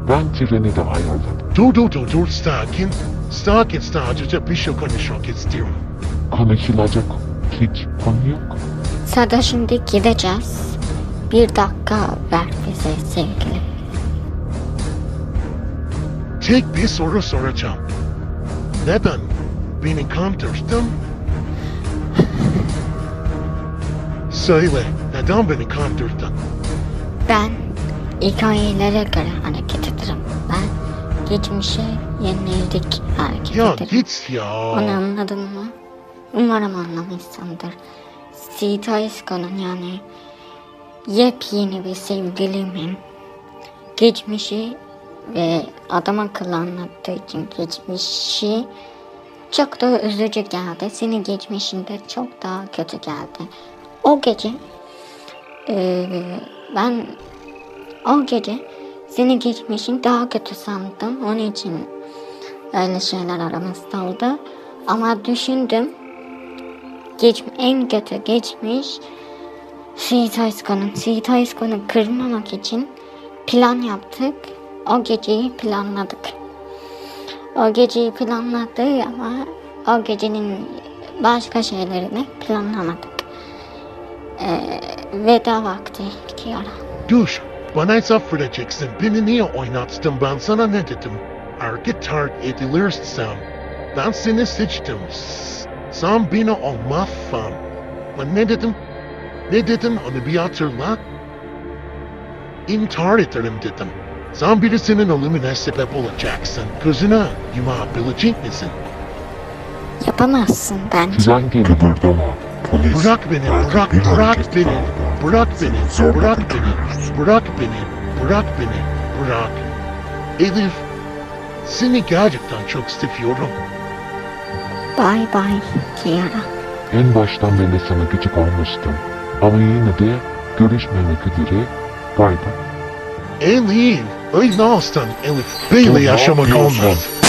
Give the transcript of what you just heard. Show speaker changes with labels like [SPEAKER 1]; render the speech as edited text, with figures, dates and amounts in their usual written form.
[SPEAKER 1] Ben treni de ayarladım.
[SPEAKER 2] Dur, sakin. Sakin, sadece bir şey konuşmak istiyorum.
[SPEAKER 1] Konuşulacak hiç konu yok.
[SPEAKER 3] Sada şimdi gideceğiz. Bir dakika ver bize sevgilim.
[SPEAKER 2] Tek bir soru soracağım. Neden beni kandırdın? Söyle, neden beni kandırdın?
[SPEAKER 3] Ben hikayelere göre hareket ederim. Ben geçmişe yönelik hareket
[SPEAKER 2] Ya
[SPEAKER 3] ederim.
[SPEAKER 2] git ya.
[SPEAKER 3] Onu anladın mı? Umarım anlamışsındır. Sita Isko'nun yani yepyeni bir sevgilimin geçmişi ve adam akıllı anlattığı için geçmişi çok da üzücü geldi. Senin geçmişinde çok daha kötü geldi. O gece ben o gece senin geçmişin daha kötü sandım. Onun için öyle şeyler aramızda oldu. Ama düşündüm. En kötü geçmiş Sita Isko'nu kırmamak için plan yaptık. O geceyi planladık. O geceyi planladık ama o gecenin başka şeylerini planlamadık. Veda vakti Kiara.
[SPEAKER 2] Dur, bana hesap vereceksin. Beni niye oynattın? Ben sana ne dedim? Hareket terk edilirsem ben seni seçtim. Sen beni olmazsan. Ben ne dedim? Ne dedim onu bir hatırla. İntihar ederim dedim. Sen birisinin ölümüne sebep olacaksın. Gözüne yumabilecek misin?
[SPEAKER 3] Yapamazsın bence.
[SPEAKER 1] Tren geliyor.
[SPEAKER 4] Kıpırdama. Polis.
[SPEAKER 2] Bırak beni, bırak beni, bırak beni, bırak beni, bırak beni, bırak beni, bırak. Elif, seni gerçekten çok seviyorum.
[SPEAKER 3] Bye bye Kiara.
[SPEAKER 1] En baştan beri sana gıcık olmuştum. Ama yine de görüşmemek üzere. Bay bay.
[SPEAKER 2] Elif, öyle olsun Elif. Böyle yaşamak olmaz.